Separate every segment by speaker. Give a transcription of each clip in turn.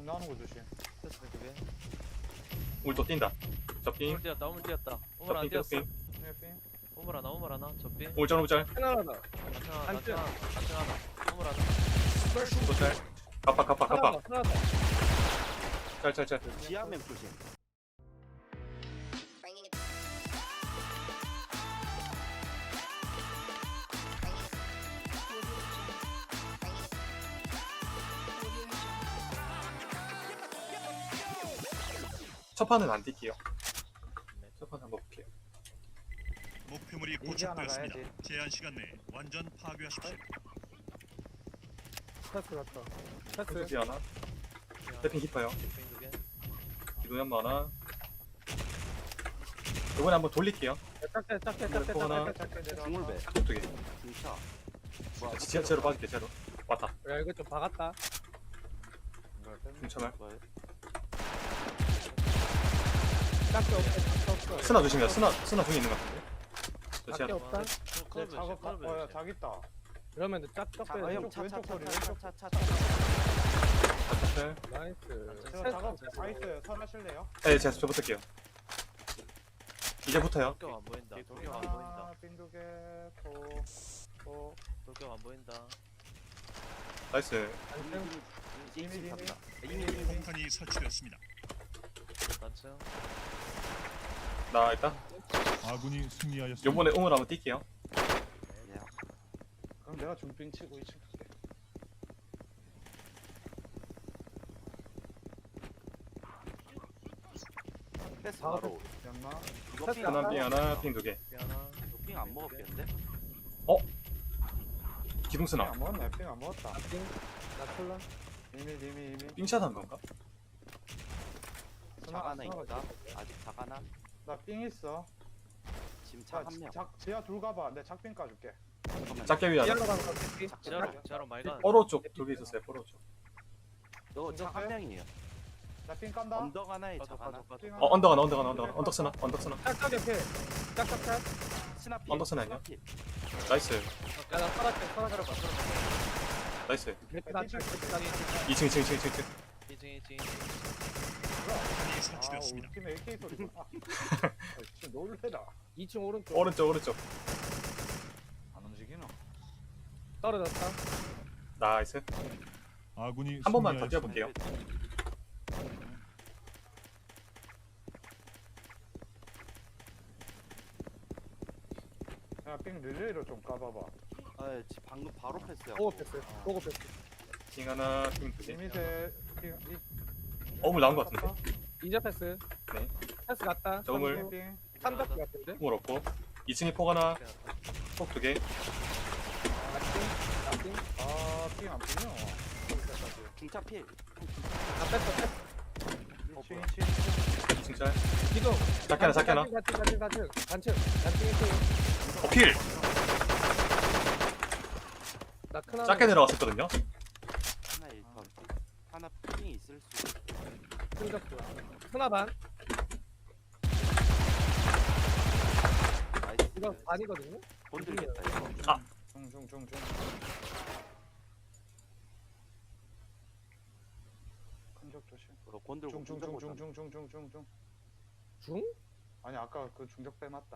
Speaker 1: 나오는 거 조심.
Speaker 2: 됐어 그게.
Speaker 3: 우리 또 뛴다. 접빙.
Speaker 2: 오물 뛰었다 오물 뛰었다. 오물 안
Speaker 3: 접빙
Speaker 2: 뛰었어.
Speaker 3: 접빙.
Speaker 1: 핑.
Speaker 2: 오물 하나 접빙.
Speaker 3: 울짤 울짤.
Speaker 4: 하나하나.
Speaker 2: 단층 하나. 오물 하나.
Speaker 3: 또짤. 갑박.
Speaker 4: 하나하나.
Speaker 3: 짤짤짤.
Speaker 5: 지하 맵 조심.
Speaker 3: 첫 판은 안 뛸게요. 첫 판 한번 볼게요.
Speaker 6: 목표물이
Speaker 1: 이제 하나
Speaker 6: 포착되었습니다.
Speaker 1: 가야지.
Speaker 6: 제한 시간 내에 완전 파괴하십시오.
Speaker 4: 패스 갔다. 패스.
Speaker 3: 펜스 하나. 태핑 깊어요.
Speaker 2: 접빙 두 개.
Speaker 3: 기도 연마 하나. 이번에 한번 돌릴게요.
Speaker 4: 작게
Speaker 3: 하나.
Speaker 5: 중물배.
Speaker 3: 두 개.
Speaker 5: 중차.
Speaker 3: 제로 빠질게 제로. 왔다.
Speaker 4: 야 이거 좀 박았다.
Speaker 3: 중차말.
Speaker 5: 뭐야?
Speaker 4: 작게 없어.
Speaker 3: 스나 조심해요. 스나 중에 있는 것 같은데. 저
Speaker 4: 작게
Speaker 3: 제로.
Speaker 4: 없다.
Speaker 1: 작업. 자기다.
Speaker 4: 이러면 짝짝
Speaker 5: 아,
Speaker 4: 빼.
Speaker 5: 형,
Speaker 1: 왼쪽 소리,
Speaker 5: 차차차차차차.
Speaker 3: 짤.
Speaker 4: 나이스.
Speaker 1: 제가 작업 다 있어요. 설하실래요?
Speaker 3: 네, 제가 저 붙을게요. 이제 붙어요.
Speaker 2: 돌격 안 보인다. 돌격 안 보인다.
Speaker 1: 빈두개
Speaker 2: 돌격 안 보인다.
Speaker 3: 나이스.
Speaker 5: 이미 간다.
Speaker 6: 폭탄이 설치되었습니다.
Speaker 2: 단층.
Speaker 3: 나 일단
Speaker 6: 아군이 승리하였습니다.
Speaker 3: 요번에 응을 한번 뛸게요.
Speaker 5: 예.
Speaker 1: 그럼 내가 중빙 치고 2층 갈게.
Speaker 5: 패스 바로.
Speaker 1: 연마.
Speaker 5: 이거
Speaker 4: 패스
Speaker 5: 삥
Speaker 3: 하나
Speaker 4: 하나.
Speaker 3: 삥 하나 삥 두 개.
Speaker 2: 하나.
Speaker 5: 삥안 먹었겠는데?
Speaker 3: 기둥 스나.
Speaker 1: 안 먹었네. 핑안 먹었다.
Speaker 4: 나 콜라.
Speaker 1: 이미.
Speaker 3: 삥샷 한 건가?
Speaker 5: 작 하나 있다. 아직 작 하나.
Speaker 1: 나삥 있어.
Speaker 5: 지금
Speaker 1: 자,
Speaker 5: 작 한 명.
Speaker 1: 지하 둘 가봐. 내 작빙 까줄게.
Speaker 5: 잠깐만.
Speaker 3: 작게 위 하나.
Speaker 4: 이하로 가는 거 새끼.
Speaker 2: 제로 말간.
Speaker 3: 뽀로 쪽 두 개 있었어요. 뽀로 쪽.
Speaker 5: 너작 한 명이에요.
Speaker 1: 나삥 깐다.
Speaker 5: 언덕 하나에 작 하나.
Speaker 1: 삥
Speaker 3: 언덕 하나. 언덕 스나.
Speaker 4: 짝짝에 패. 짝짝짝.
Speaker 5: 스나피.
Speaker 3: 언덕 스나 아니야?
Speaker 5: 스나피.
Speaker 3: 나이스.
Speaker 4: 야나 살았대. 살았대.
Speaker 3: 나이스.
Speaker 4: 나 짝.
Speaker 3: 2층.
Speaker 2: 2층.
Speaker 6: 폭탄이
Speaker 1: 우리
Speaker 6: 설치되었습니다.
Speaker 1: 팀에 AK 소리. 진짜 놀래라.
Speaker 4: 2층 오른쪽.
Speaker 3: 오른쪽.
Speaker 1: 안 움직이나?
Speaker 4: 떨어졌다.
Speaker 3: 나이스.
Speaker 6: 아군이
Speaker 3: 한 번만 더
Speaker 6: 승리하였습니다.
Speaker 3: 뛰어볼게요.
Speaker 1: 야삥 릴레이로 좀 까봐봐.
Speaker 5: 아, 방금 바로 패스야.
Speaker 4: 보고 패스. 보고 패스.
Speaker 3: 핑 하나, 핑 두 개.
Speaker 1: 이미세
Speaker 3: 어물 나온 것 같은데.
Speaker 4: 이제 패스.
Speaker 3: 네.
Speaker 4: 패스 갔다.
Speaker 3: 저음을.
Speaker 1: 삥.
Speaker 4: 삼각 같은데.
Speaker 3: 물 없고. 2층에 폭 하나, 폭 두 개.
Speaker 4: 나띵.
Speaker 1: 삥안 보여.
Speaker 5: 중차 필.
Speaker 4: 다 뺐어.
Speaker 1: 2층.
Speaker 3: 2층 짤.
Speaker 4: 기둥.
Speaker 3: 작게 하나.
Speaker 4: 단층 1층.
Speaker 3: 필!
Speaker 4: 나 크나.
Speaker 3: 작게 내려갔었거든요.
Speaker 5: 하나 1턴. 하나 삥 있을 수.
Speaker 4: 큰적도. 크나 반.
Speaker 5: 나이스.
Speaker 4: 이거 반이거든요.
Speaker 5: 건들겠다 이거.
Speaker 1: 중. 큰적 조심.
Speaker 5: 이거 건들고.
Speaker 1: 중.
Speaker 4: 중?
Speaker 1: 아니 아까 그 중적 빼 맞다.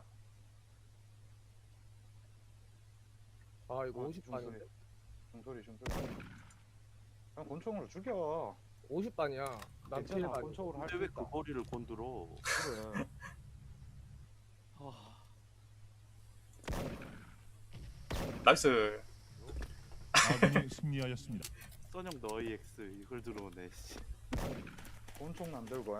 Speaker 4: 아 이거
Speaker 1: 아,
Speaker 4: 50반인데.
Speaker 1: 중소리. 그냥 권총으로 죽여.
Speaker 4: 50반이야. 난
Speaker 1: 괜찮아.
Speaker 4: 필반.
Speaker 1: 권총으로 할
Speaker 5: 근데
Speaker 1: 수
Speaker 5: 왜
Speaker 1: 있다.
Speaker 5: 그 거리를 건들어?
Speaker 4: 그래.
Speaker 3: 나이스.
Speaker 6: 아군이 승리하였습니다.
Speaker 5: 써녕 너희 X 이걸 들어오네. 씨.
Speaker 1: 권총 만들고 해.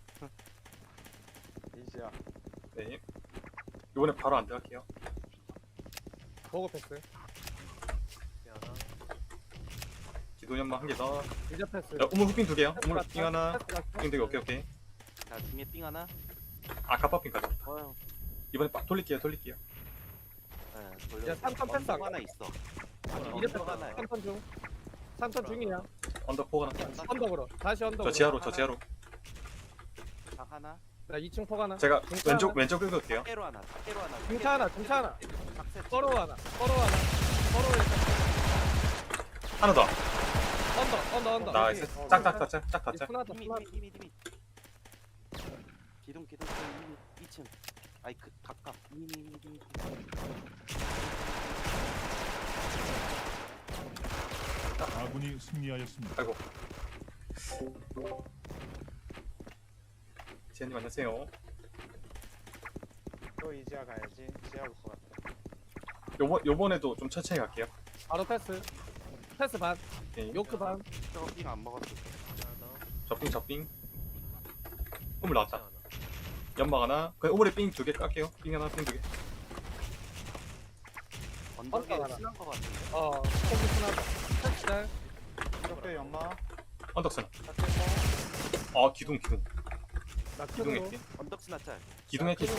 Speaker 1: 이지야.
Speaker 3: 네. 이번에 바로 안 들어갈게요.
Speaker 4: 보고 패스.
Speaker 2: 하나.
Speaker 3: 기도 연마 한 개 더.
Speaker 4: 이제 패스.
Speaker 3: 야, 우물 후핑 두 개요. 우물 핑 하나,
Speaker 4: 패스 갔다.
Speaker 3: 핑 두 개. 오케이.
Speaker 5: 자 중에 삥 하나.
Speaker 3: 아, 갑밥핑까지.
Speaker 5: 어.
Speaker 3: 이번에 빡 돌릴게요.
Speaker 5: 네, 돌려.
Speaker 4: 야, 3턴 패스
Speaker 5: 언덕 하나 있어.
Speaker 4: 이제
Speaker 5: 언덕 하나.
Speaker 4: 3턴 중. 3턴 중이야.
Speaker 3: 언덕 폭 하나.
Speaker 4: 언덕으로. 다시 언덕으로.
Speaker 3: 저 지하로.
Speaker 5: 작 하나.
Speaker 4: 나 2층 폭 하나.
Speaker 3: 제가
Speaker 4: 중차
Speaker 3: 왼쪽 긁을게요.
Speaker 5: 깨로 하나. 깨로 하나.
Speaker 4: 중차 하나.
Speaker 5: 작세.
Speaker 4: 꺼로 하나. 꺼로 일단.
Speaker 3: 하나 더.
Speaker 4: 언더.
Speaker 3: 나이스. 짝 닫자.
Speaker 4: 순하다.
Speaker 5: 이미 기둥 이미 2층 아이 그 가까 이미
Speaker 6: 아군이 승리하였습니다.
Speaker 3: 아이고. 지현님 안녕하세요.
Speaker 1: 또 이지아 가야지. 지아 올 것 같아.
Speaker 3: 요번에도 좀 천천히 갈게요.
Speaker 4: 바로 패스. 패스 반.
Speaker 3: 오케이.
Speaker 4: 요크 반.
Speaker 5: 저거 삥안 먹었어.
Speaker 2: 하나
Speaker 3: 접빙. 우물 나왔다.
Speaker 2: 하나.
Speaker 3: 연막 하나. 그 우물에 삥 2개 깔게요. 삥 하나, 삥 2개.
Speaker 5: 언덕에
Speaker 4: 언덕 하나.
Speaker 5: 친한 거 같은데.
Speaker 4: 콤비 순하다. 패스 잘.
Speaker 1: 이렇게 연마.
Speaker 3: 언덕선.
Speaker 1: 작게
Speaker 3: 아 기둥.
Speaker 4: 나
Speaker 3: 기둥에
Speaker 4: 크로.
Speaker 3: 낀.
Speaker 5: 언덕 스나짤.
Speaker 3: 기둥에 낀.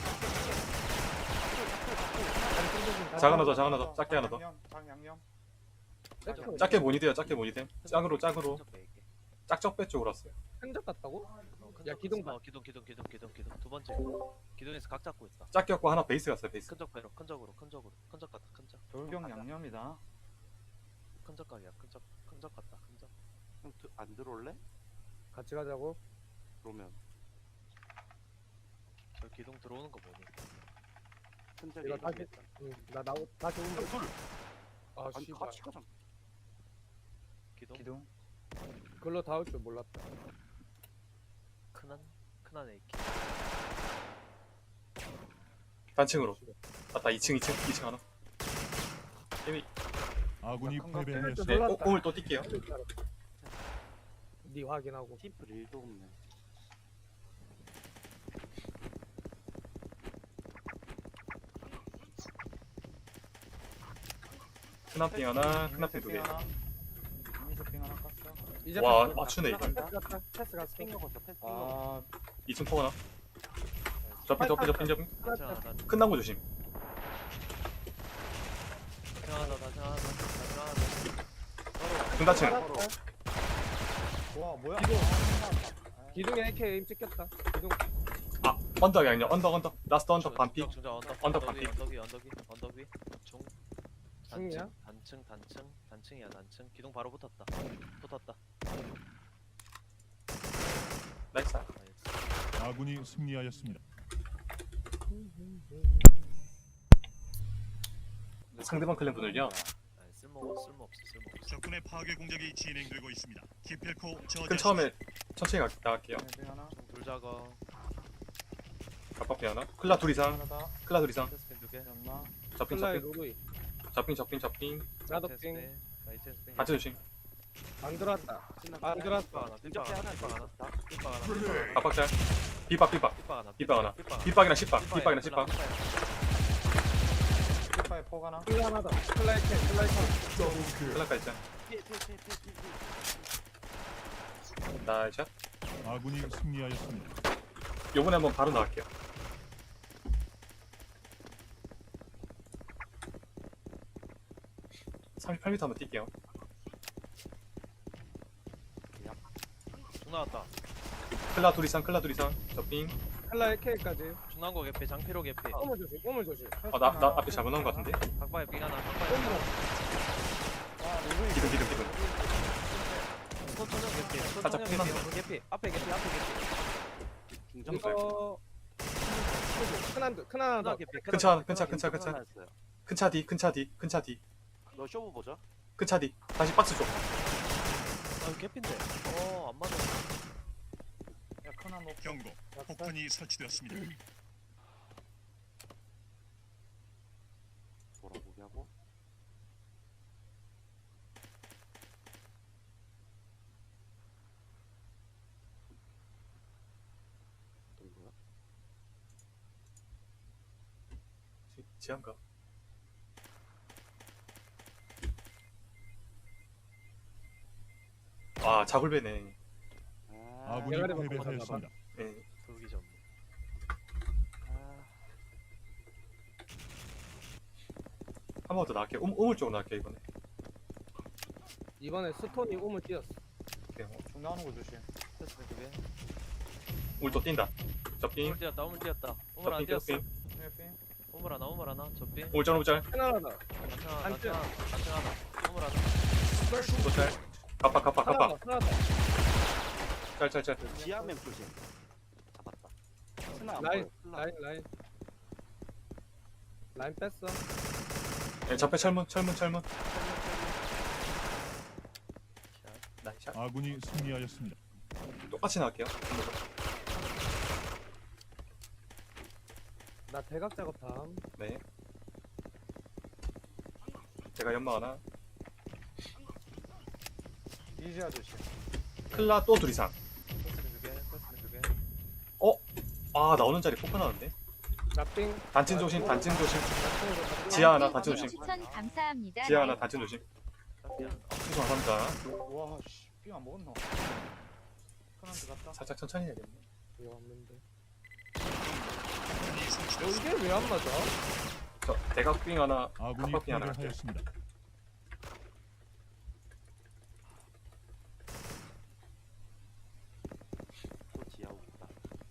Speaker 4: 작
Speaker 3: 작 하나 더, 작 하나 더. 작게 하나 더.
Speaker 1: 장양념.
Speaker 3: 작게 모니 돼요. 작게 모니 돼. 짝으로.
Speaker 2: 흔적 빼게.
Speaker 3: 짝적배 쪽으로 왔어요.
Speaker 4: 흔적 같다고?
Speaker 2: 어,
Speaker 4: 야, 기둥 봐.
Speaker 2: 기둥 두 번째 기둥에서 각 잡고 있다.
Speaker 3: 작게 갖고 하나 베이스 갔어요. 베이스.
Speaker 2: 큰적 배로 큰적 같다.
Speaker 1: 돌격 양념이다.
Speaker 2: 큰적 각이야. 큰적 같다. 큰적.
Speaker 5: 형 안 들어올래?
Speaker 4: 같이 가자고.
Speaker 5: 그러면
Speaker 2: 저 기둥 들어오는 거 보니.
Speaker 5: 흔적이
Speaker 4: 이거 다시 나 다시 오면
Speaker 5: 둘.
Speaker 4: 아
Speaker 5: 아니
Speaker 4: 씨발.
Speaker 5: 같이 가자.
Speaker 2: 기둥
Speaker 1: 기둥.
Speaker 4: 글로 다 올 줄 몰랐다.
Speaker 2: 큰한 AK.
Speaker 3: 단층으로. 맞다. 2층 하나. 이미
Speaker 6: 아군이
Speaker 1: 큰 거.
Speaker 3: 네.
Speaker 6: 패배하였습니다.
Speaker 3: 오물 또 뛸게요.
Speaker 4: 니 확인하고.
Speaker 5: 팀플 1도 없네.
Speaker 3: 큰앞빙 하나, 큰앞빙 2개.
Speaker 1: 미니쇼핑 하나 깠어.
Speaker 4: 이제
Speaker 3: 와,
Speaker 4: 패스
Speaker 3: 맞추네,
Speaker 4: 갔다.
Speaker 3: 이거.
Speaker 4: 패스 갔다. 패스 갔어.
Speaker 5: 삥 먹었어. 패스 삥 먹었어.
Speaker 1: 아,
Speaker 3: 2층 포 하나. 접빙.
Speaker 2: 단층 하나.
Speaker 3: 큰 나무 조심.
Speaker 2: 단층 하나.
Speaker 3: 중단층.
Speaker 1: 와 뭐야?
Speaker 4: 기둥.
Speaker 1: 아,
Speaker 4: 기둥에 AK 에임 찍혔다. 기둥.
Speaker 3: 아, 언덕이 아니야. 언덕. 라스트 언덕 반피. 언덕 반피.
Speaker 2: 언덕 위. 중.
Speaker 4: 중이야?
Speaker 2: 단층이야. 기둥 바로 붙었다.
Speaker 3: 나이스.
Speaker 2: 나이스.
Speaker 6: 아군이 승리하였습니다.
Speaker 3: 상대방 클랜 분을요.
Speaker 2: 아니, 쓸모없어.
Speaker 6: 적군의 파괴 공작이 진행되고 있습니다. 기필코
Speaker 3: 큰 처음에 천천히 나갈게요.
Speaker 1: 미니쇼핑 하나.
Speaker 2: 둘 작아.
Speaker 3: 갑박빙 하나. 클라 둘 이상.
Speaker 1: 하나 더.
Speaker 3: 클라 둘 이상.
Speaker 2: 테스핀 두 개.
Speaker 1: 연마.
Speaker 3: 접빙.
Speaker 4: 플라이 로루이. 나도
Speaker 2: 테스핀.
Speaker 4: 빙.
Speaker 2: 나이스 테스핀.
Speaker 3: 같이 조심.
Speaker 4: 안 들어왔다.
Speaker 5: 끝났다.
Speaker 4: 안 들어왔다.
Speaker 2: 삐빡 하나.
Speaker 5: 있었다.
Speaker 3: 갑박자. 삐빡. 삐빡 하나. 삐빡이랑 십박.
Speaker 1: 피파에 포 하나.
Speaker 4: 플라 하나 더. 플라이 캐.
Speaker 3: 클라까지 있자.
Speaker 5: 피해.
Speaker 3: 나이스.
Speaker 6: 아군이 승리하였습니다.
Speaker 3: 요번에 한번 바로 나갈게요. 38m 한번 뛸게요.
Speaker 2: 중 나왔다.
Speaker 3: 클라 둘 이상. 접빙.
Speaker 4: 플라이 캐까지.
Speaker 2: 중난 거 개피. 장피로 개피.
Speaker 4: 오물 조심.
Speaker 3: 나 앞에 잘못 나온 것 같은데.
Speaker 2: 각바에 빙 하나.
Speaker 3: 기둥.
Speaker 2: 손천형 개피.
Speaker 3: 살짝
Speaker 2: 개피. 앞에 개피.
Speaker 5: 중정살.
Speaker 4: 이거 큰 하나 더.
Speaker 2: 개피.
Speaker 3: 근처.
Speaker 5: 하나였어요.
Speaker 3: 큰 차 뒤.
Speaker 5: 너 쇼부 보자.
Speaker 3: 큰 차 뒤. 다시 박스 줘.
Speaker 2: 아 개피인데. 안 맞아.
Speaker 1: 야 큰한 높.
Speaker 6: 경고. 폭탄이 설치되었습니다.
Speaker 5: 돌아보게 하고. 어떤 거야?
Speaker 3: 지한가? 아, 자굴배네.
Speaker 6: 아군이
Speaker 4: 대가리 먹고
Speaker 6: 패배하였습니다.
Speaker 3: 네.
Speaker 2: 돌기 전.
Speaker 3: 한 번 더 나갈게요. 우물 쪽으로 나갈게요, 이번에.
Speaker 4: 이번에 스톤이 오물 뛰었어.
Speaker 3: 오케이.
Speaker 1: 중 나오는 거 조심.
Speaker 2: 테스핀 두 개.
Speaker 3: 우물 또 뛴다. 접빙.
Speaker 2: 우물 뛰었다. 우물 안 뛰었어.
Speaker 1: 미니쇼핑.
Speaker 2: 우물 하나. 접빙.
Speaker 3: 우물 짤.
Speaker 4: 큰 하나 더.
Speaker 2: 단층 하나. 우물 하나.
Speaker 3: 또 짤. 갑바 갑바
Speaker 4: 하나
Speaker 3: 갑바.
Speaker 4: 더 하나 더.
Speaker 3: 짤짤짤.
Speaker 5: 지하면 조심. 잡았다. 스나 안
Speaker 4: 라인
Speaker 5: 보여. 스나.
Speaker 4: 라인 뺐어.
Speaker 3: 네, 적배 철문. 나이샷.
Speaker 6: 아군이 승리하였습니다.
Speaker 3: 똑같이 나갈게요.
Speaker 4: 나 대각 작업 다음.
Speaker 3: 네. 제가 연막 하나.
Speaker 1: 이지아 조심.
Speaker 3: 클라 또 둘 이상.
Speaker 2: 코스는 2개.
Speaker 3: 아 나오는 자리 폭파 나는데.
Speaker 4: 나삥.
Speaker 3: 단진 조심.
Speaker 4: 나삥으로
Speaker 3: 지하 하나,
Speaker 7: 님
Speaker 3: 단체 조심.
Speaker 7: 추천 감사합니다.
Speaker 3: 지하 하나 단진 조심.
Speaker 2: 깜이야.
Speaker 3: 수고 감사합니다.
Speaker 1: 와, 씨, 삥안 먹었노. 큰한 대 갔다.
Speaker 3: 살짝 천천히 해야겠네.
Speaker 4: 이거 없는데.
Speaker 6: 아군이 승리하였습니다.
Speaker 4: 이게 왜 안 맞아?
Speaker 3: 저 대각빙 하나.
Speaker 6: 아군이
Speaker 3: 깜빡이 하나 갈게요.
Speaker 6: 패배하였습니다.
Speaker 5: 또 지하 오겠다.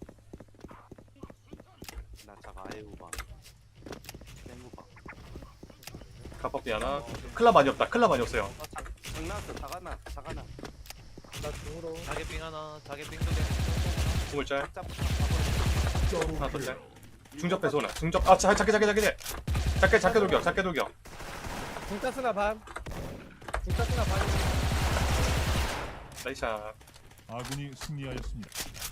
Speaker 5: 나 자가 아예 우방. 땡우방.
Speaker 3: 갑박빙 하나. 클라 많이 없다. 클라 많이 없어요.
Speaker 5: 장난았어. 자가나. 자가나.
Speaker 4: 나 중으로.
Speaker 2: 자개빙 하나. 자개빙 2개.
Speaker 3: 스물짤.
Speaker 5: 짭.
Speaker 3: 하나 더 짤. 중접 배소 하나. 중접. 아 작게. 작게 돌격.
Speaker 4: 중짜 쓰나 반. 중짜 쓰나 반.
Speaker 3: 나이샷.
Speaker 6: 아군이 승리하였습니다.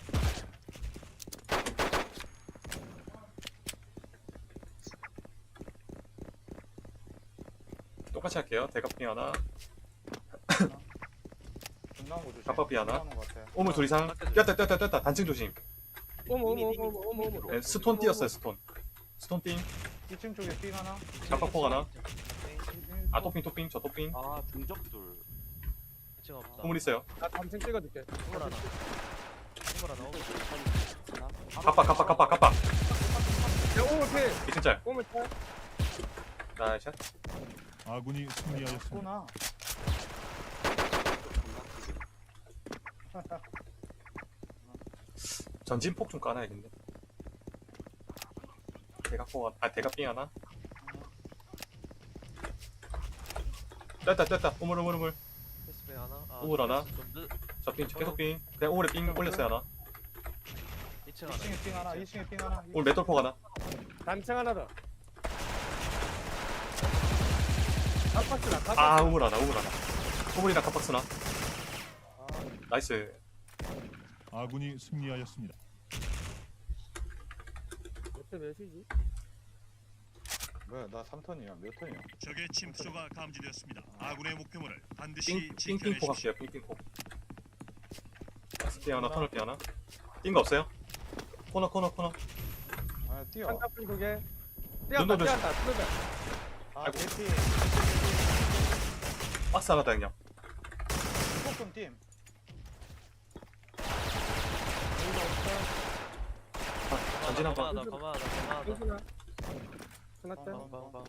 Speaker 3: 똑같이 할게요. 대각빙 하나.
Speaker 1: 중나온 거 조심.
Speaker 3: 갑박비 하나.
Speaker 1: 중나오는 거 같아.
Speaker 3: 오물 둘 이상. 뛰었다. 단층 조심.
Speaker 4: 어머.
Speaker 3: 네, 스톤 띄었어요. 스톤 띵.
Speaker 1: 2층 쪽에 삥 하나.
Speaker 3: 갑박폭 하나. 아
Speaker 1: 또
Speaker 3: 토핑. 저 토핑.
Speaker 5: 아 중적둘.
Speaker 2: 2층 없다.
Speaker 3: 오물 있어요.
Speaker 4: 나 단층 찍어줄게.
Speaker 2: 우물 하나. 우물 하나. 오물.
Speaker 5: 스나.
Speaker 3: 갑박.
Speaker 4: 야 오물 필.
Speaker 3: 2층짤.
Speaker 4: 오물 필.
Speaker 3: 나이샷.
Speaker 6: 아군이 승리하였습니다.
Speaker 1: 구나.
Speaker 3: 전진폭 좀 까놔야겠네. 대각빙 하나. 떴다. 우물.
Speaker 2: 패스백 하나.
Speaker 3: 우물 하나.
Speaker 2: 좀 늦.
Speaker 3: 저빙 계속빙. 그냥 오물에 빙 올렸어요 하나.
Speaker 2: 2층 하나.
Speaker 1: 2층에 삥 하나. 2층에 삥 하나.
Speaker 3: 오물 맷돌폭 하나.
Speaker 4: 단층 하나 더. 깜빡스나.
Speaker 3: 아 우물 하나. 우물이랑 갑박스나.
Speaker 1: 아,
Speaker 3: 나이스.
Speaker 6: 아군이 승리하였습니다.
Speaker 4: 몇대 몇이지?
Speaker 1: 뭐야, 나 3턴이야. 몇 턴이야?
Speaker 6: 적의 침투조가 감지되었습니다. 아군의 목표물을 반드시
Speaker 3: 삥삥폭
Speaker 6: 지켜내십시오.
Speaker 3: 할게요. 삥삥폭. 삥 하나. 터널 하나. 삥 거 없어요? 코너.
Speaker 1: 아, 뛰어.
Speaker 4: 한갑빙 두 개.
Speaker 3: 눈도
Speaker 4: 뛰었다. 뚫다.
Speaker 1: 아,
Speaker 3: 아이고.
Speaker 1: 개피.
Speaker 3: 박스 하나 다 그냥.
Speaker 1: 조금 팀.
Speaker 3: 전진 한 번.
Speaker 2: 거마하다.
Speaker 4: 하나. 하나 때.
Speaker 2: 빵.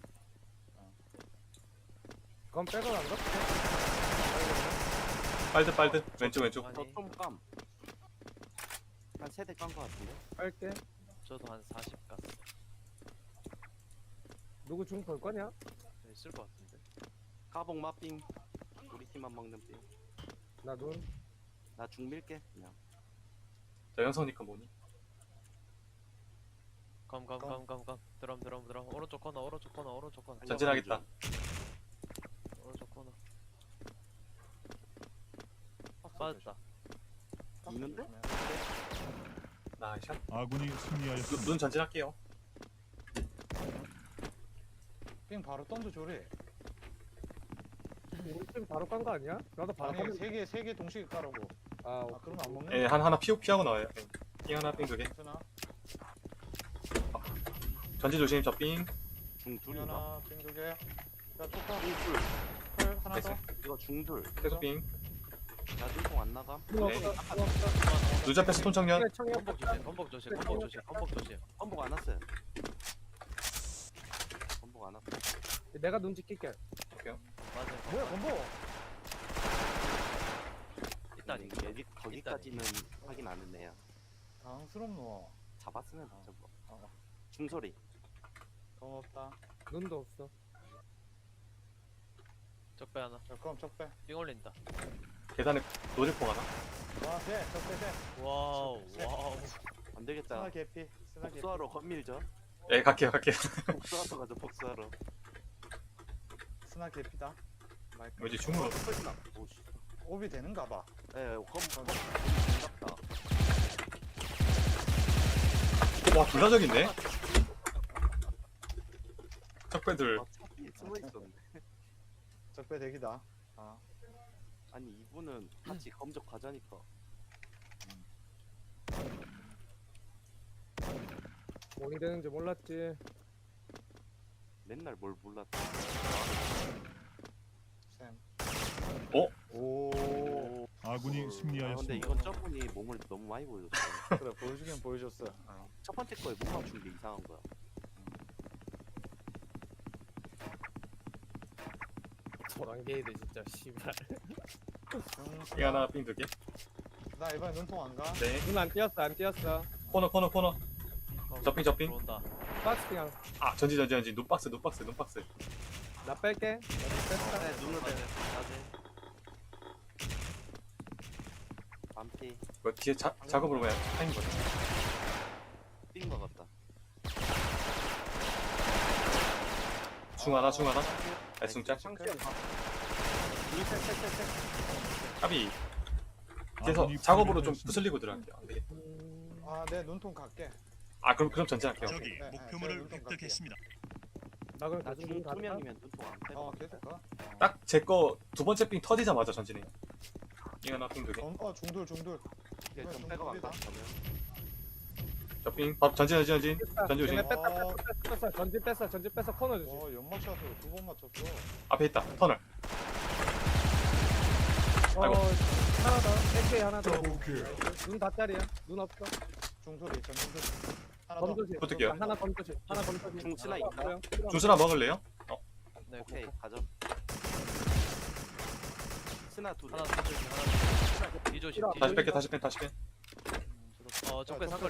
Speaker 4: 그건 빼고 안 가?
Speaker 3: 빨드. 왼쪽.
Speaker 2: 아니,
Speaker 5: 저좀 깜. 한 세대 깐 거 같은데.
Speaker 4: 빨게.
Speaker 2: 저도 한 40 갔어.
Speaker 4: 누구 중 볼 거냐?
Speaker 2: 있을 것 같은데.
Speaker 5: 까봉 마삥. 우리 팀만 먹는 삥.
Speaker 4: 나 눈.
Speaker 5: 나 중 밀게 그냥.
Speaker 3: 자 영선이니까 뭐니?
Speaker 2: 감. 드럼. 오른쪽 코너.
Speaker 3: 전진하겠다.
Speaker 2: 오른쪽 코너. 빠졌다.
Speaker 5: 있는데?
Speaker 3: 나이샷.
Speaker 6: 아군이 승리하였습니다.
Speaker 3: 눈 전진할게요.
Speaker 1: 삥 바로 던져 줘래.
Speaker 4: 우리 팀 바로 깐 거 아니야? 나도 바로
Speaker 1: 아니,
Speaker 4: 깐.
Speaker 1: 세 개 동시에 까라고.
Speaker 4: 아,
Speaker 1: 아, 그러면 안 먹네.
Speaker 3: 예, 하나 피하고 나와요. 삥 하나, 삥 두 개.
Speaker 1: 괜찮아.
Speaker 3: 전진 조심. 저 삥.
Speaker 5: 중
Speaker 1: 삥
Speaker 5: 둘인가?
Speaker 1: 하나, 삥 두 개. 야, 초카.
Speaker 5: 중둘.
Speaker 1: 펄 하나
Speaker 3: 나이스.
Speaker 1: 더.
Speaker 5: 이거 중둘.
Speaker 3: 계속 삥.
Speaker 5: 나 눈통 안 나감.
Speaker 3: 네.
Speaker 4: 네.
Speaker 3: 누자 패스 톤청년.
Speaker 2: 건복 조심.
Speaker 5: 건복 안 왔어요. 건복 안 왔어.
Speaker 4: 내가 눈 지킬게.
Speaker 2: 맞아.
Speaker 1: 뭐야, 건보.
Speaker 2: 있다니.
Speaker 5: 여기 거기까지는 확인 안 했네요.
Speaker 1: 당스럽노.
Speaker 5: 잡았으면 저거.
Speaker 1: 어.
Speaker 5: 중소리.
Speaker 1: 고맙다.
Speaker 4: 눈도 없어.
Speaker 2: 적배 하나.
Speaker 1: 자, 그럼 적배.
Speaker 2: 삥 올린다.
Speaker 3: 계단에 노질포 하나.
Speaker 1: 와, 돼. 적배 돼.
Speaker 2: 와우 와우.
Speaker 5: 안 되겠다.
Speaker 1: 스나 개피. 스나 개피.
Speaker 5: 복수하러 건밀죠.
Speaker 3: 예, 갈게요.
Speaker 5: 복수하러 가죠. 복수하러.
Speaker 1: 스나 개피다.
Speaker 3: 왠지 중으로.
Speaker 5: 오씨.
Speaker 1: 오비 되는가 봐.
Speaker 5: 예, 반갑다.
Speaker 3: 와, 둘 다 저기인데? 적배들.
Speaker 5: 아, 차에 숨어 있었네.
Speaker 1: 적배 대기다. 아,
Speaker 5: 아니 이분은 같이 검적 가자니까.
Speaker 4: 뭐니 되는지 몰랐지.
Speaker 5: 맨날 뭘 몰랐다.
Speaker 1: 쌤.
Speaker 3: 어?
Speaker 1: 오.
Speaker 6: 아군이
Speaker 5: 아, 근데
Speaker 6: 승리하였습니다.
Speaker 5: 이건 저분이 몸을 너무 많이 보여줬어.
Speaker 1: 그래, 보여주긴 보여줬어.
Speaker 5: 첫 번째 거에 못 맞춘 게 이상한 거야.
Speaker 4: 저랑 게이드 진짜 씨발.
Speaker 3: 이 하나, 삥 두 개.
Speaker 1: 나 이번에 눈통 안 가?
Speaker 3: 네.
Speaker 4: 눈 안 띄었어 안 띄었어.
Speaker 3: 코너. 접빙.
Speaker 2: 들어온다.
Speaker 4: 박스 그냥
Speaker 3: 아, 전지. 눈박스.
Speaker 4: 나 뺄게. 뺐다.
Speaker 5: 네, 눈을 빼.
Speaker 2: 사진.
Speaker 5: 반피
Speaker 3: 뭐 뒤에 작업으로 그냥 타인 거죠.
Speaker 5: 뛴 거 같다.
Speaker 3: 중 하나. 애승짤.
Speaker 1: 상쾌한 밥.
Speaker 3: 합이. 뒤에서
Speaker 6: 아군이
Speaker 3: 작업으로 좀
Speaker 6: 패배하였습니다.
Speaker 3: 부슬리고 들어갈게요. 안 되겠다.
Speaker 1: 아, 내 눈통 갈게.
Speaker 3: 아, 그럼 전진할게요.
Speaker 6: 적이
Speaker 1: 네,
Speaker 6: 목표물을
Speaker 1: 네,
Speaker 6: 획득했습니다.
Speaker 4: 나 그럼
Speaker 5: 나중
Speaker 4: 가지고 가자.
Speaker 5: 투명이면 눈통 안 빼.
Speaker 1: 계속 가.
Speaker 3: 딱 제 거 두 번째 삥 터지자마자 전진해요. 이 하나, 삥 두 개.
Speaker 1: 중돌.
Speaker 5: 이제 좀 빼고 간다. 그러면
Speaker 3: 접빙. 밥 전진. 전지 조심.
Speaker 4: 얘네 뺐어. 전진 뺐어. 코너 조심.
Speaker 1: 와, 연막샷으로 2번 맞췄어.
Speaker 3: 앞에 있다. 터널. 아이고.
Speaker 4: 하나 더. AK 하나 더. 눈 닷자리야. 눈 없어.
Speaker 1: 중소리, 전중소리. 하나 더.
Speaker 4: 던져지.
Speaker 3: 붙을게요.
Speaker 4: 하나 던져지.
Speaker 5: 중치나 있나?
Speaker 3: 주스나 먹을래요?
Speaker 2: 네.
Speaker 5: 오케이 가죠. 스나 두 대.
Speaker 2: 하나 던져주기. 뒤조심.
Speaker 3: 다시 뺄게.
Speaker 2: 적배 상거리.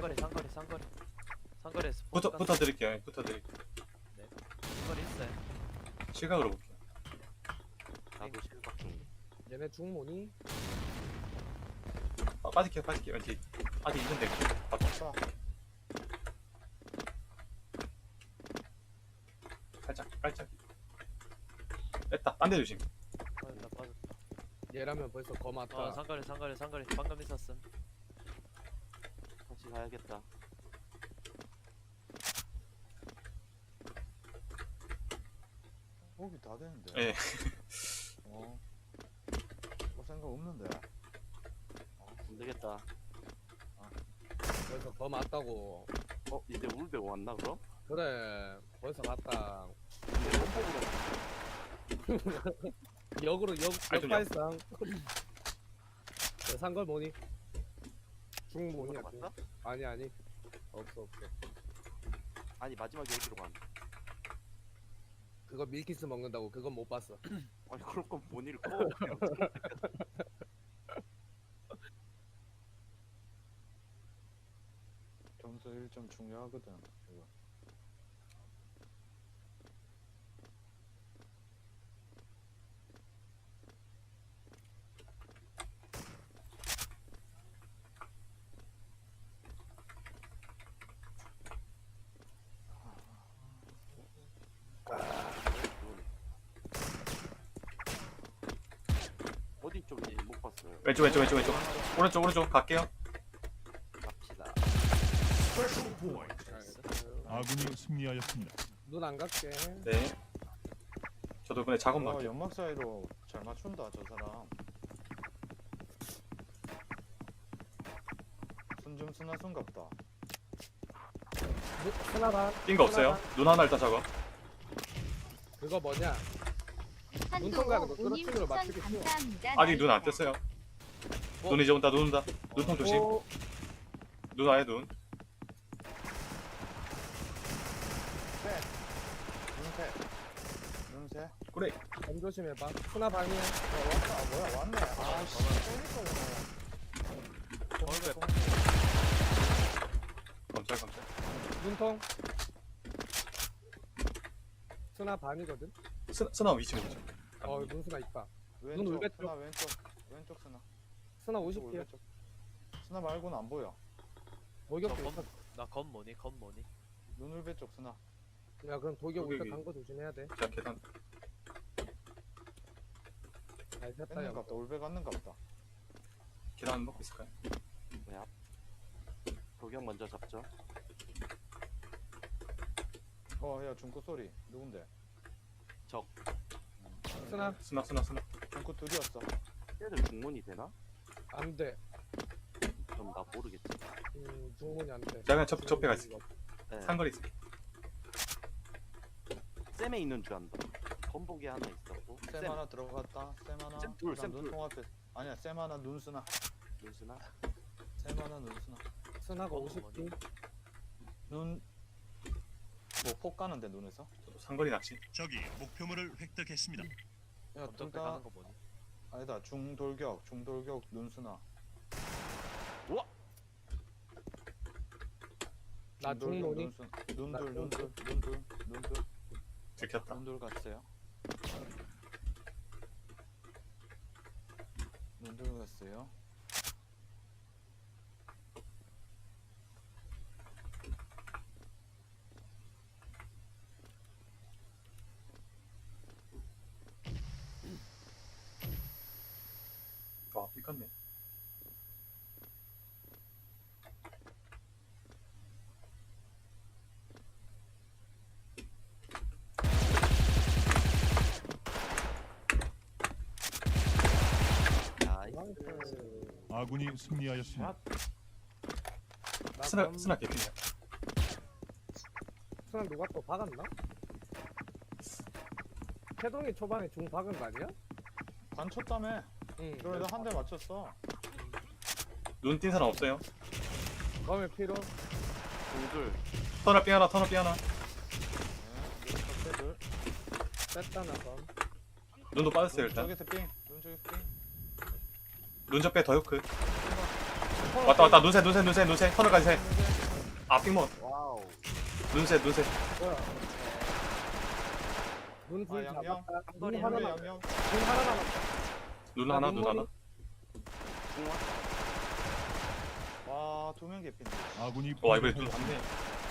Speaker 2: 상거리에서
Speaker 3: 붙어 드릴게요.
Speaker 2: 상거리 있어요.
Speaker 3: 시각으로 볼게요.
Speaker 5: 나도 실각 중.
Speaker 4: 얘네 중모니?
Speaker 3: 빠질게요. 왠지 아직 있는데.
Speaker 1: 자,
Speaker 3: 살짝. 뺐다. 딴 데 조심.
Speaker 2: 빠졌다.
Speaker 4: 얘라면 벌써 거 맞다.
Speaker 2: 상거리. 방금 있었음.
Speaker 5: 다시 가야겠다.
Speaker 1: 오비 다 되는데.
Speaker 3: 예.
Speaker 1: 뭐 생각 없는데.
Speaker 5: 안 되겠다.
Speaker 4: 벌써 거 맞다고.
Speaker 5: 이제 울베 왔나 그럼?
Speaker 4: 그래. 벌써 갔다.
Speaker 5: 근데 홈복으로
Speaker 4: 역으로
Speaker 3: 아니, 좀
Speaker 4: 역발상. 산걸 뭐니? 중모니야.
Speaker 5: 맞다?
Speaker 4: 아니. 없어.
Speaker 5: 아니 마지막에 어디로 간?
Speaker 4: 그거 밀키스 먹는다고 그건 못 봤어.
Speaker 5: 아니 그럴 건 본인을 꺼.
Speaker 1: 점수 1점 중요하거든. 이거.
Speaker 5: 어디 쪽인지 못 봤어요.
Speaker 3: 왼쪽. 오른쪽 갈게요.
Speaker 5: 갑시다.
Speaker 6: 아군이 승리하였습니다.
Speaker 4: 눈 안 갈게.
Speaker 3: 네. 저도 이번에 작업만.
Speaker 1: 와, 연막 사이로 잘 맞춘다, 저 사람. 순좀 순하순갑다.
Speaker 4: 하나 반.
Speaker 3: 낀 거 없어요? 눈 하나 일단 작업.
Speaker 4: 그거 뭐냐? 눈통 가는 거 그렇게로 맞추기 쉬워.
Speaker 3: 아직 눈 안 떴어요. 눈 이제 온다. 눈통 조심.
Speaker 4: 오,
Speaker 3: 눈 아예 눈.
Speaker 1: 눈새.
Speaker 3: 그래.
Speaker 4: 점 조심해봐. 하나 반이야.
Speaker 1: 왔다. 뭐야, 왔네. 아, 씨. 그러니까
Speaker 3: 검찰.
Speaker 4: 눈통. 스나 반이거든.
Speaker 3: 스나 위치 보죠.
Speaker 4: 눈수나 있다.
Speaker 1: 왼쪽
Speaker 4: 울베
Speaker 1: 스나 왼쪽 스나.
Speaker 4: 스나
Speaker 1: 왼쪽
Speaker 4: 50킬.
Speaker 1: 울베 쪽. 스나 말고는 안 보여.
Speaker 4: 돌격도 있어.
Speaker 2: 나건 뭐니? 건 뭐니?
Speaker 1: 눈 울베 쪽 스나.
Speaker 4: 야 그럼 돌격
Speaker 3: 돌격이.
Speaker 4: 울베 간거 조심해야 돼.
Speaker 3: 자 계단.
Speaker 4: 잘 셌다
Speaker 1: 뺏는
Speaker 4: 야.
Speaker 1: 갑다. 울베 갔는 갑다.
Speaker 3: 계단 먹고 있을까요?
Speaker 5: 도경 먼저 잡죠.
Speaker 1: 야 중구 소리. 누군데?
Speaker 4: 스나
Speaker 3: 스나.
Speaker 1: 중구 둘이었어.
Speaker 5: 얘들 중문이 되나?
Speaker 4: 안 돼.
Speaker 5: 그럼 나 모르겠지.
Speaker 4: 중문이 안 돼.
Speaker 3: 자 그냥 접해 가 있을게.
Speaker 5: 네.
Speaker 3: 상거리 있을게.
Speaker 5: 쌤에 있는 줄 안다. 건복이 하나 있었고.
Speaker 1: 쌤 하나 들어갔다. 쌤 하나.
Speaker 5: 쌤 둘,
Speaker 1: 그다음
Speaker 5: 쌤 둘.
Speaker 1: 눈통 앞에. 아니야 쌤 하나 눈스나.
Speaker 5: 눈수나.
Speaker 1: 쌤 하나 눈스나.
Speaker 4: 스나가
Speaker 2: 건
Speaker 4: 50킬.
Speaker 1: 눈. 뭐 폭 가는데 눈에서?
Speaker 3: 저도 상거리 낚시.
Speaker 6: 적이 목표물을 획득했습니다.
Speaker 1: 야
Speaker 2: 검정배
Speaker 1: 둘다
Speaker 2: 가는 거 뭐니?
Speaker 1: 아니다 중돌격 눈스나.
Speaker 4: 나 중문이.
Speaker 1: 눈둘
Speaker 3: 들켰다.
Speaker 1: 눈둘 갔어요. 눈둘 갔어요.
Speaker 3: 와 삐끗네.
Speaker 5: 나이스.
Speaker 6: 아군이 승리하였습니다.
Speaker 3: 스나 개피네.
Speaker 4: 스나 누가 또 박았나? 태동이 초반에 중 박은 거 아니야?
Speaker 1: 관쳤다며.
Speaker 4: 응.
Speaker 1: 그래도 한 대 맞췄어.
Speaker 3: 눈 띈 사람 없어요?
Speaker 4: 검의 피로.
Speaker 5: 중둘.
Speaker 3: 터널 삥 하나.
Speaker 1: 네, 눈
Speaker 4: 뺐다 나 검.
Speaker 3: 눈도 빠졌어요 일단.
Speaker 1: 저기서 삥. 눈 저기서 삥.
Speaker 3: 눈 접배 더 요크. 왔다 눈새 터널까지 새. 삥 먹었.
Speaker 5: 와우.
Speaker 3: 눈새.
Speaker 4: 뭐야? 눈불
Speaker 1: 아, 양양.
Speaker 4: 잡았다. 눈
Speaker 5: 양양.
Speaker 4: 하나
Speaker 1: 눈
Speaker 4: 남았다.
Speaker 1: 양념.
Speaker 4: 눈 하나 남았다.
Speaker 3: 눈 하나.
Speaker 5: 중화.
Speaker 1: 와, 2명 개핀데.
Speaker 6: 아군이
Speaker 3: 와 이번에 눈
Speaker 6: 패배하였습니다.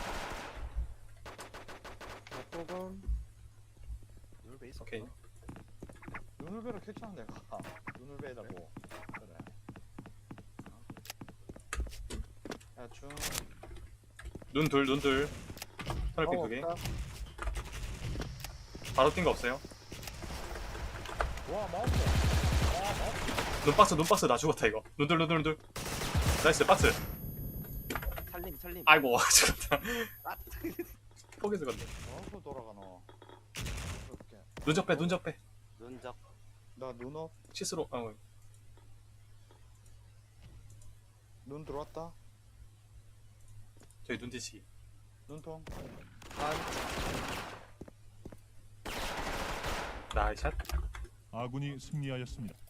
Speaker 3: 왔네.
Speaker 4: 조금.
Speaker 2: 눈배 있었나?
Speaker 3: 오케이.
Speaker 1: 눈을배로 켰잖아 내가. 눈을배라고. 그래. 야, 중.
Speaker 3: 눈 둘. 터널 삥 2개.
Speaker 4: 없다.
Speaker 3: 바로 뛴 거 없어요?
Speaker 1: 와, 마우스.
Speaker 3: 눈박스 나 죽었다 이거. 눈둘. 나이스 박스.
Speaker 5: 살림.
Speaker 3: 아이고 죽었다. 포기 죽었네.
Speaker 1: 마우스 돌아가 너. 이렇게.
Speaker 3: 눈 접배.
Speaker 5: 눈적.
Speaker 1: 나 눈업.
Speaker 3: 시스로.
Speaker 1: 눈 들어왔다.
Speaker 3: 저희 눈 뒤치.
Speaker 1: 눈통.
Speaker 3: 나이스 샷.
Speaker 6: 아군이 승리하였습니다.